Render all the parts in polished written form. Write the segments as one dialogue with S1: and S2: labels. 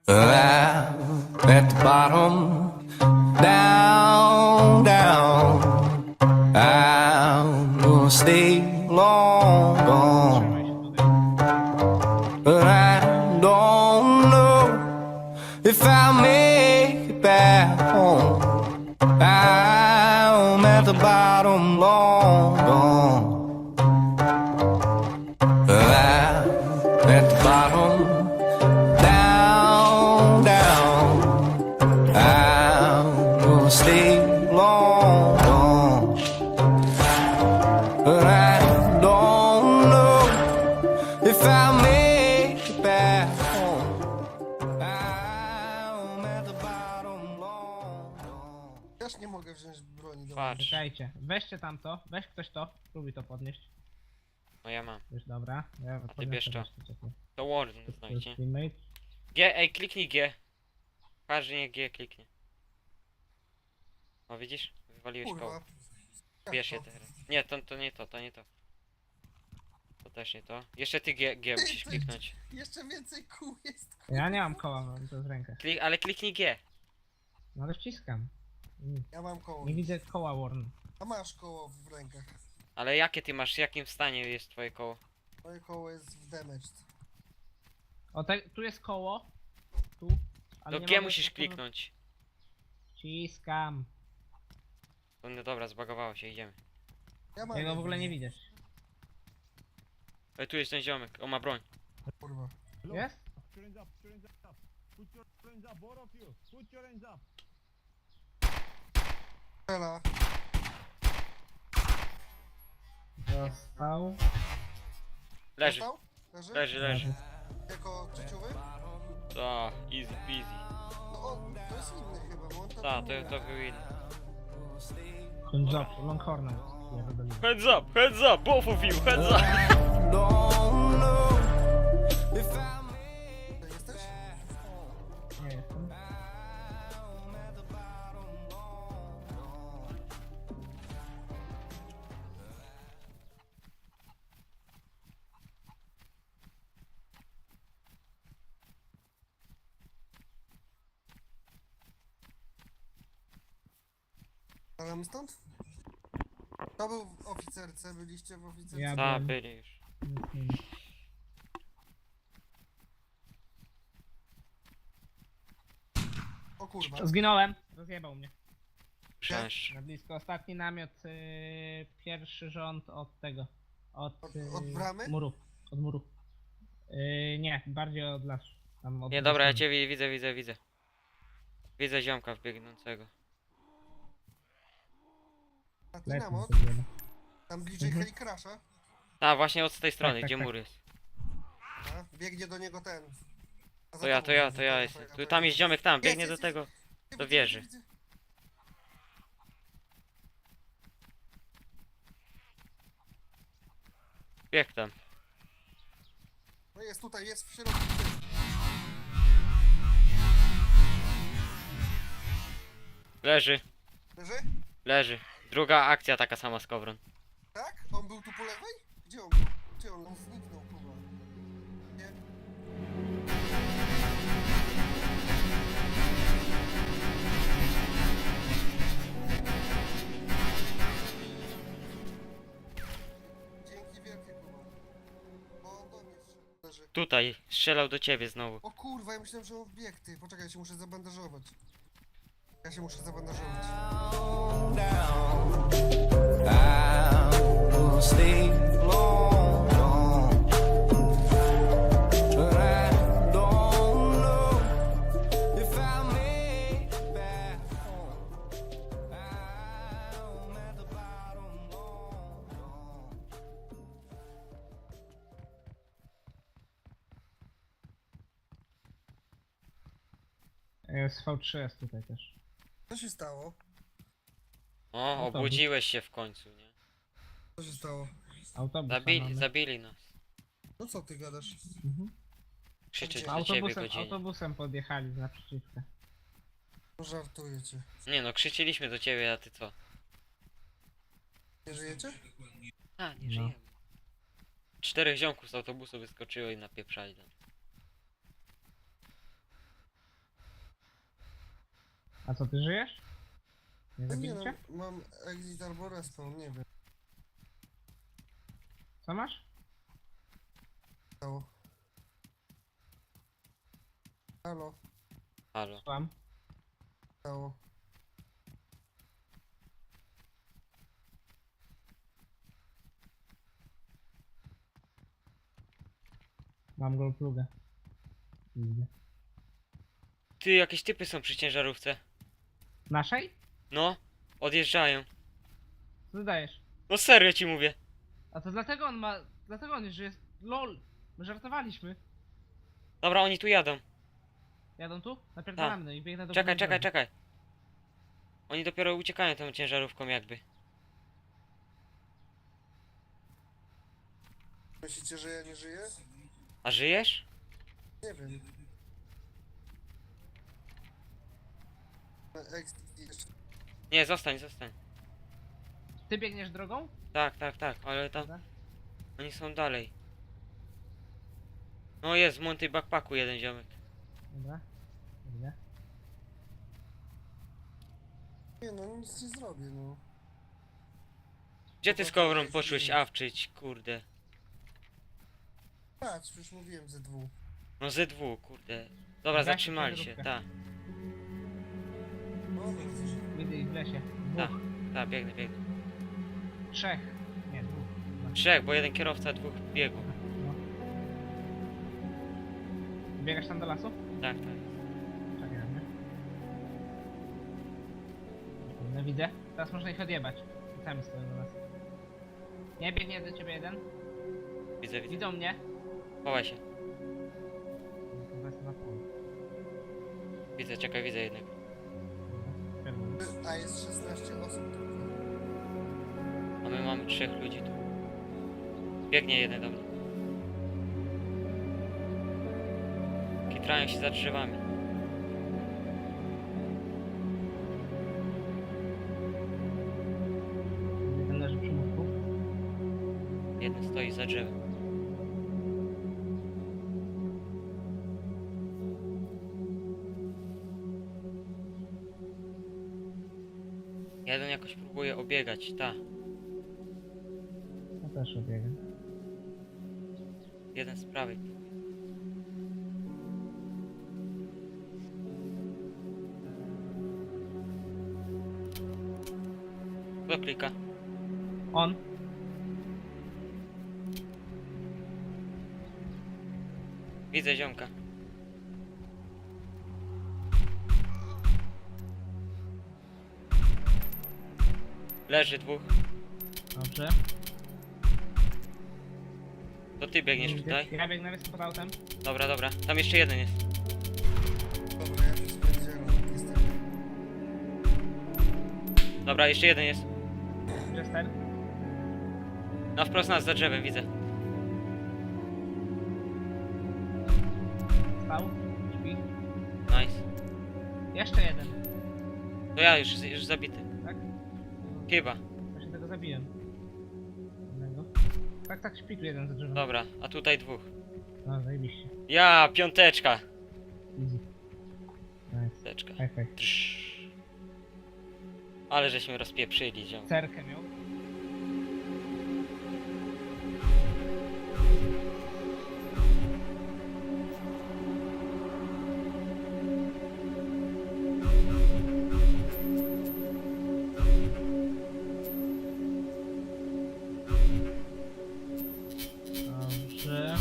S1: At the bottom, down, down. I'm gonna stay long gone, but I don't know if I'll make it back home. I'm at the bottom, long gone. I'm at the bottom, down, down. I'm gonna stay long gone, but I don't know if I'll make it back home. I'm at the bottom, long gone.
S2: Też nie mogę wziąć broni do
S3: Patrz,
S4: Czekajcie, weźcie tamto, weź ktoś to, spróbuj to podnieść.
S3: no ja mam.
S4: Już dobra. Ja podniosę
S3: bierz to.
S4: resztę, czekaj.
S3: To Warden
S4: To jest
S3: znajdzie.
S4: teammate.
S3: G, ej, kliknij G. Każdy nie G kliknie. O, widzisz? Wywaliłeś koło.
S2: Kurwa.
S3: Bierz je teraz. Nie, to nie to, to nie to. To też nie to. Jeszcze ty G musisz kliknąć.
S2: Jeszcze więcej kół jest. Kurwa.
S4: Ja nie mam koła, mam to w rękach.
S3: Ale kliknij G.
S4: No ale wciskam.
S2: Ja mam koło.
S4: Nie widzę koła Warn.
S2: A masz koło w rękach.
S3: Ale jakie ty masz, w jakim stanie jest twoje koło?
S2: Moje koło jest w damaged.
S4: O, tu jest koło. Tu. Ale
S3: To
S4: nie
S3: G
S4: mogę
S3: musisz
S4: po-
S3: kliknąć.
S4: Wciskam.
S3: No dobra, zbagowało się, idziemy.
S2: Ja mam.
S4: Ja go w ogóle nie
S2: jedno.
S4: widzisz.
S3: Ej, tu jest ten ziomek, on ma broń.
S2: Kurwa.
S4: Jest?
S5: Put your hands up, put your hands up. Put your hands up, both of you. Put your hands up.
S2: Strzela.
S4: Dostał.
S3: Leży,
S2: Dostał? Leży?
S3: leży.
S2: Jako trzeciowy?
S3: To, easy peasy.
S2: No on, to jest inny chyba, bo on tam
S3: Ta,
S2: nie
S3: to był inny.
S4: Ten job, Longhornem. Ja wydobyłem.
S3: Heads up, both of you, heads up.
S1: Don't know if I'll make
S2: To jesteś?
S4: Nie jestem.
S2: Ale my stąd? To był w oficerce, byliście w oficerce?
S4: Ja
S3: Ta,
S4: byłem.
S3: byli już.
S4: Nic nie ma.
S2: O kurwa.
S4: Zginąłem. Rozjebał mnie.
S3: Przecież.
S4: Na blisko. Ostatni namiot, pierwszy rząd od tego. Od,
S2: Od bramy?
S4: muru. Od muru. Nie, bardziej od lasu. Tam od
S3: Nie, dobra, ja
S4: strony.
S3: cię widzę. Widzę ziomka wbiegnącego.
S2: A ty
S4: Lecę
S2: namot?
S4: sobie, no.
S2: Tam bliżej
S4: Mhm.
S2: Helikrasza?
S3: A, właśnie od tej strony,
S4: tak,
S3: gdzie
S4: tak.
S3: mur jest.
S2: A? Biegnie do niego ten. A za
S3: To ja
S2: tobą widzę,
S3: jestem. Tu, tam jest ziomek, tam, biegnie do tego.
S2: Widzę,
S3: do wieży.
S2: widzę.
S3: Bieg tam.
S2: No jest tutaj, jest w środku.
S3: Leży,
S2: Leży?
S3: leży. Druga akcja taka sama z Kowron.
S2: Tak? On był tu po lewej? Gdzie on był? Gdzie on? On zniknął chyba. Nie? Dzięki wielkie kurwa. Bo on do mnie wszedł. Leży.
S3: Tutaj, strzelał do ciebie znowu.
S2: O kurwa, ja myślałem, że on wbiegł ty. Poczekaj, ja się muszę zabandażować. Ja się muszę zabandażować.
S1: down. I'm gonna stay long gone, but I don't know if I'll make it back home. I'm at the bottom, long gone.
S4: Jest V3 jest tutaj też.
S2: Co się stało?
S3: O,
S4: No to
S3: obudziłeś się w końcu, nie?
S2: Co się stało?
S4: Autobus mamy.
S3: Zabili nas.
S2: No co ty gadasz?
S4: Mhm.
S3: Krzyczeć do ciebie godzinę.
S4: Autobusem podjechali z naprzeciwka.
S2: No żartujecie.
S3: Nie no, krzyczyliśmy do ciebie, a ty co?
S2: Nie żyjecie?
S3: A, nie
S4: No.
S3: żyjemy. 4 ziomków z autobusu wyskoczyło i napieprzali tam.
S4: A co, ty żyjesz? Nie
S2: No nie no,
S4: zabiliście?
S2: mam exit albo respawn, nie wiem.
S4: Co masz?
S2: Stało. Halo,
S3: Halo.
S4: Słucham.
S2: stało.
S4: Mam goldplugę. Widzę.
S3: Ty, jakieś typy są przy ciężarówce.
S4: Naszej?
S3: No, odjeżdżają.
S4: Co ty dajesz?
S3: No serio ci mówię.
S4: A to dlatego on ma... Dlatego on że jest... LOL! My żartowaliśmy.
S3: Dobra, oni tu jadą.
S4: Jadą tu? Napierdalamy, no i biegnę do
S3: Czekaj,
S4: góry
S3: czekaj,
S4: drogi.
S3: czekaj. Oni dopiero uciekają tą ciężarówką jakby.
S2: Myślicie, że ja nie żyję?
S3: A żyjesz?
S2: Nie wiem. Exit jeszcze.
S3: Nie, zostań, zostań.
S4: Ty biegniesz drogą?
S3: Tak, tak, tak, ale tam
S4: Dobra.
S3: oni są dalej. No jest, w Monty Backpacku jeden ziomek.
S4: Dobra. Widzę.
S2: Nie no, nic nie zrobię, no.
S3: Gdzie ty z Kowrą poszłeś awczyć, kurde?
S2: Patrz, już mówiłem ze dwóch.
S3: No ZW, kurde. Dobra,
S4: Gaśnie
S3: zatrzymali się,
S4: ciężarówkę.
S3: tak.
S2: No, no,
S4: Widzę ich w lesie.
S3: Tak,
S4: Dwóch.
S3: tak, biegnę, biegnę.
S4: Trzech. Nie, dwóch. Chyba.
S3: Trzech, bo jeden kierowca, dwóch biegł.
S4: No. Biegasz tam do lasu?
S3: Tak, tak.
S4: Czekaj na mnie. No widzę. Teraz można ich odjebać. Sami stoją do nas. Nie, biegnie do ciebie jeden.
S3: Widzę, widzę.
S4: Widzą mnie.
S3: Chowaj się.
S4: Chyba jest na polu.
S3: Widzę, czekaj, widzę jednego.
S2: A jest 16 osób tylko.
S3: A my mamy 3 ludzi tu. Biegnie jeden do mnie. Kitrają się za drzewami.
S4: Jeden leży przy murku.
S3: Jeden stoi za drzewem. Jeden jakoś próbuje obiegać, ta.
S4: Ja też obiegam.
S3: Jeden z prawej. Kto klika?
S4: On.
S3: Widzę ziomka. Leży dwóch.
S4: Dobrze.
S3: To ty biegniesz tutaj?
S4: Ja biegnę, jestem pod autem.
S3: Dobra, dobra. Tam jeszcze jeden jest.
S2: Dobra, ja tu spędziłem. Jestem.
S3: Dobra, jeszcze jeden jest.
S4: Jester.
S3: Na wprost nas za drzewem, widzę.
S4: Stał. Śpi.
S3: Nice.
S4: Jeszcze jeden.
S3: To ja już zabity.
S4: Tak?
S3: Chyba.
S4: Właśnie tego zabiłem. Jednego. Tak, tak, śpi tu jeden za drzewem.
S3: Dobra, a tutaj dwóch.
S4: No, zajebiście.
S3: Ja, piąteczka.
S4: Easy. Nice.
S3: Piąteczka.
S4: High five.
S3: Trz. Ale żeśmy rozpieprzyli, ziom.
S4: Cerkę miał. Dobrze.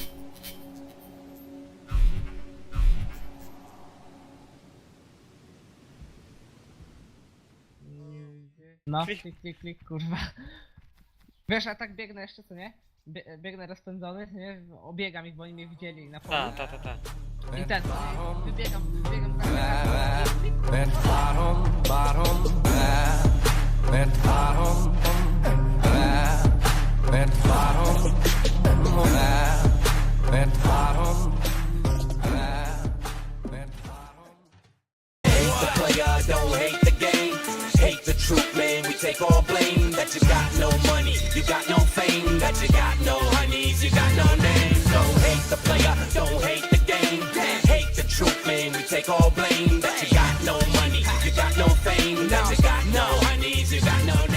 S4: No,
S3: Klik.
S4: klik, klik, klik, kurwa. Wiesz, a tak biegnę jeszcze, co nie? Biegnę rozpędzony, nie? Obiegam ich, bo oni mnie widzieli na polu.
S3: Ta.
S4: I ten, wybiegam tak.
S1: Red bottom, bottom, red bottom, red bottom, red bottom, red bottom.
S6: Hate the player, don't hate the game. Hate the truth, man, we take all blame. That you got no money, you got no fame. That you got no honeys, you got no name. So hate the player, don't hate the game. Hate the truth, man, we take all blame. That you got no money, honeys, you got no